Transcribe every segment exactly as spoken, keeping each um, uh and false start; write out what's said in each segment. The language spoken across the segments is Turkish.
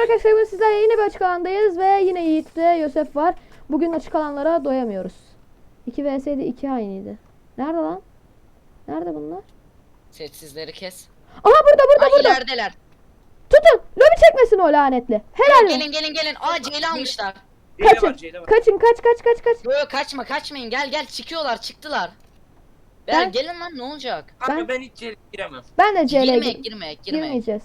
arkadaşlar, bugün sizlerle yine bir açık alandayız ve yine Yiğit ve Yosef var. Bugün açık alanlara doyamıyoruz. iki vs'de iki aynıydı. Nerede lan? Nerede bunlar? Sessizleri kes. Aha, burada burada Ay burada. ilerideler. Tutun. Lobi çekmesin o lanetli. Helal mi? Gelin gelin gelin. Aa Ceyli almışlar. C'de Kaçın. var, C'de var. Kaçın, kaç kaç kaç kaç. Yo yo kaçma kaçmayın. Gel gel çıkıyorlar çıktılar. Ben- Ben... Gelin lan ne olacak? Kanka Ben- ben, hiç C'ye giremem. Ben de C L'ye Girmeyek gir- girmeyek girmeyek. girmeyeceğiz.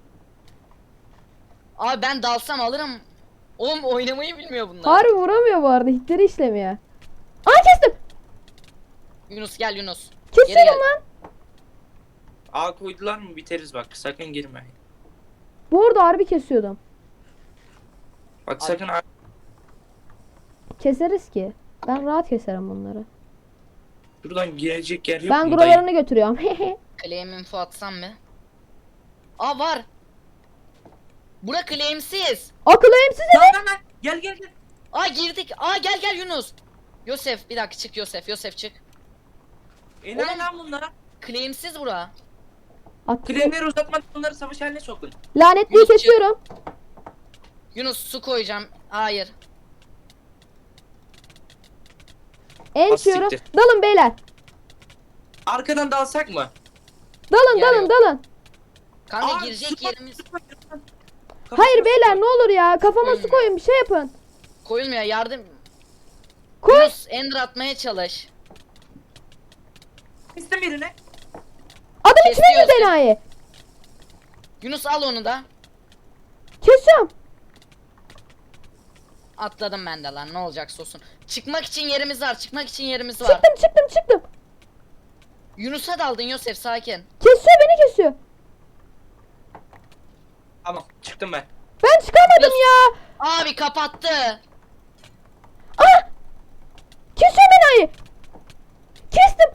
Abi ben dalsam alırım. Oğlum oynamayı bilmiyor bunlar. Harbi vuramıyor bu arada. Hitleri işlemiyor. Aa, kestim. Yunus gel Yunus. Geri Kesiyorum gel. lan. A koydular mı biteriz bak, sakın girme. Bu arada harbi kesiyordum. Bak sakın A- Keseriz ki. Ben rahat keserim bunları. Şuradan girecek yer yok Ben mu duralarını götürüyorum. Claim info atsam mı? Aa var. Bura claimsiz. Akıl eğimsiz dayı? evet. Lan lan lan, gel gel gel. Aa girdik. Aa gel gel Yunus. Yosef bir dakika çık Yosef. Yosef çık. E ne Oğlum. lan bunlar? Claimsiz bura. At- Kremleri uzatmadan onları savaş haline sokun. Lanetliyi Yunus, kesiyorum. Yunus su koyacağım. Hayır. Ençiyorum. siktir. Dalın beyler. Arkadan dalsak mı? Dalın Yer dalın yok. dalın. Kanka Aa, girecek su- yerimiz su koyun lan. Kafasına Hayır su beyler, koy. ne olur ya, kafama su Koyun. koyun, bir şey yapın. koyulmuyor yardım. Koy. Yunus ender atmaya çalış. İstem birine. Adam Kesiyoruz. içmedi enayi. Yunus al onu da. Kesiyorum. Atladım ben de lan ne olacak sosun. Çıkmak için yerimiz var çıkmak için yerimiz var. Çıktım çıktım çıktım. Yunus'a daldın Yosef sakin. Kesiyor, beni kesiyor. Tamam, çıktım ben. Ben çıkamadım ya. Abi kapattı. Ah! Kesiyor enayi. Kestim.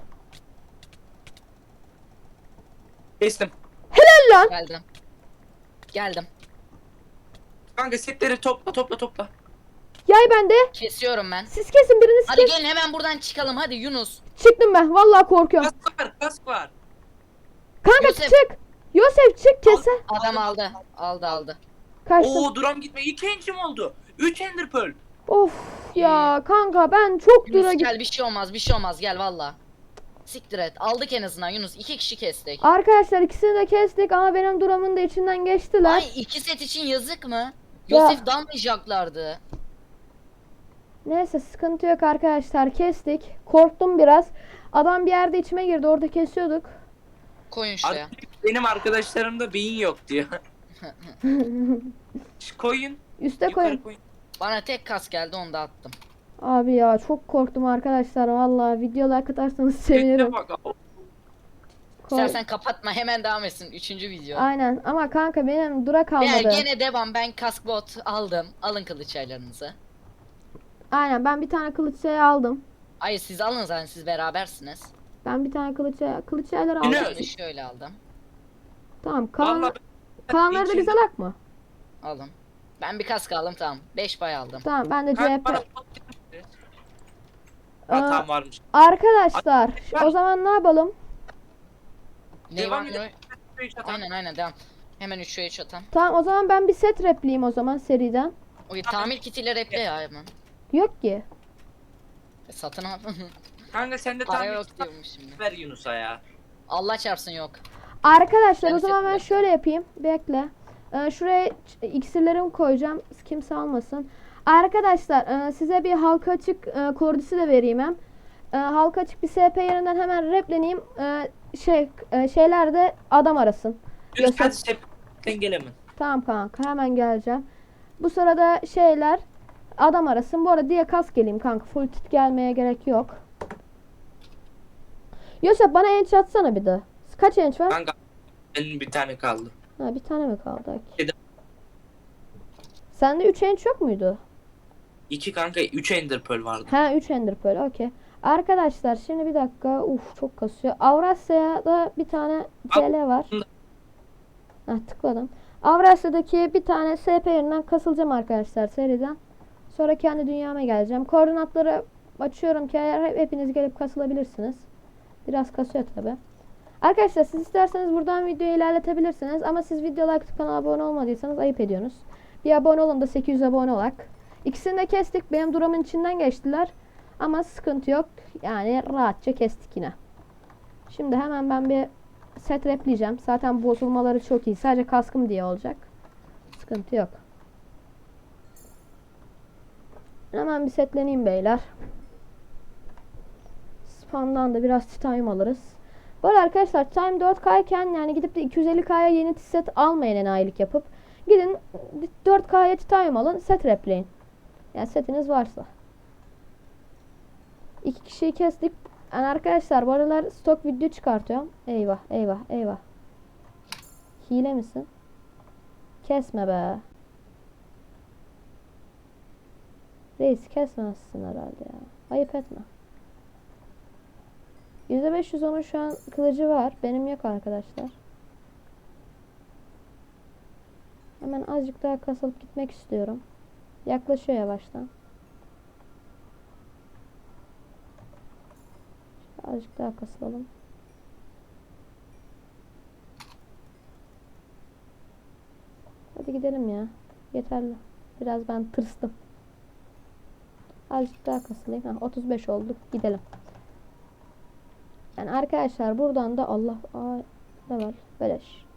Kestim. Helal lan. Geldim. Geldim. Kanka setleri topla topla topla. Yay bende. Kesiyorum ben. Siz kesin, biriniz Hadi kes. gelin hemen buradan çıkalım hadi Yunus. Çıktım ben. Vallahi korkuyorum. Kask var, kask var. Kanka Yosef. çık. Yosef çık, kese. Adam aldı. Aldı aldı. Kaçtım. Oo, duram gitme. İki encim oldu. Üç ender pearl. Of ya kanka, ben çok dura Yunus git. gel bir şey olmaz bir şey olmaz gel valla. Siktir et aldık en azından Yunus iki kişi kestik. Arkadaşlar ikisini de kestik ama benim duramın da içinden geçtiler. Ay iki set için yazık mı? Ya. Yosef dalmayacaklardı. Neyse, sıkıntı yok arkadaşlar, kestik. Korktum biraz. Adam bir yerde içime girdi, orada kesiyorduk. Koyun şuraya. Artık benim arkadaşlarımda beyin yok diyor. Şu koyun. Üste Yukarı koyun. koyun. Bana tek kas geldi onu da attım. Abi ya çok korktum arkadaşlar, vallahi video like atarsanız Setine sevinirim. bak. Kork- İstersen kapatma hemen devam etsin üçüncü video. Aynen, ama kanka benim dura Beyler kalmadı. gene devam ben kask bot aldım. Alın kılıç aylarınızı. Aynen, ben bir tane kılıç şey aldım. Hayır siz alın zaten siz berabersiniz. Ben bir tane kılıç kılıç şeyler aldım. Yine- Ben de şöyle aldım. Tamam, kalan, Vallahi kalanları da İçinde- biz alak mı? Alın. Ben bir kask aldım tamam. beş pay aldım. Tamam, ben de Kanka C H P. bana pot verir misin? Ha, Aa, tamam varmış. Arkadaşlar Var. o zaman ne yapalım? Ne Devam var edelim. ne? Aynen aynen devam. Hemen üç üç atan. Tamam, o zaman ben bir set repliyim o zaman seriden. O tamir kitiyle reple ya hemen. Yok ki. E, satın al. Kanka sende Para tam yok diyormuş şimdi. ver Yunus'a ya. Allah çarpsın yok. Arkadaşlar Ben o zaman ben set şöyle yapayım. Bekle. Ee, şuraya ç- iksirlerimi koyacağım. Kimse almasın. Arkadaşlar e, size bir halka açık e, koordisi de vereyim hem. E, halka açık bir S P yerinden hemen repleneyim. E, şey e, şeyler de adam arasın. Yunus hadi Yosef. sen gelemem. Tamam kanka, hemen geleceğim. Bu sırada şeyler adam arasın. Bu arada diye kas geleyim kanka. Full tit gelmeye gerek yok. Yosef bana enç atsana bir de. Kaç enç var? Kanka benim bir tane kaldı. Ha, bir tane mi kaldı? Yedi. Sende üç enç yok muydu? İki kanka, üç ender pearl vardı. Ha, üç ender pearl, okey. Arkadaşlar şimdi bir dakika. Uf, çok kasıyor. Avrasya'da bir tane C L var. Ha, tıkladım. Avrasya'daki bir tane S P yerinden kasılacağım arkadaşlar seriden. Sonra kendi dünyama geleceğim. Koordinatları açıyorum ki eğer hepiniz gelip kasılabilirsiniz. Biraz kasıyor tabi. Arkadaşlar siz isterseniz buradan videoyu ilerletebilirsiniz. Ama siz video like atıp kanala abone olmadıysanız ayıp ediyorsunuz. Bir abone olun da sekiz yüz abone olak. İkisini de kestik. Benim duramın içinden geçtiler. Ama sıkıntı yok. Yani rahatça kestik yine. Şimdi hemen ben bir set repleyeceğim. Zaten bozulmaları çok iyi. Sadece kaskım diye olacak. Sıkıntı yok. Hemen bir setleneyim beyler. Spam'dan da biraz titanium alırız. Bu arada arkadaşlar Time dört K iken yani gidip de iki yüz elli K'ya yeni set almayın enayilik yapıp. Gidin dört K'ya titanium alın, set repleyin. Yani setiniz varsa. İki kişiyi kestik. Yani arkadaşlar bu aralar stok video çıkartıyorum. Eyvah eyvah eyvah. Hile misin? Kesme be. Reis kesmezsin herhalde ya. Ayıp etme. yüzde beş yüz onun şu an kılıcı var. Benim yok arkadaşlar. Hemen azıcık daha kasılıp gitmek istiyorum. Yaklaşıyor yavaştan. Azıcık daha kasılalım. Hadi gidelim ya. Yeterli. Biraz ben tırstım. Azıcık daha kasılayım. Ha, otuz beş olduk. Gidelim. Yani arkadaşlar buradan da Allah aa, level beleş.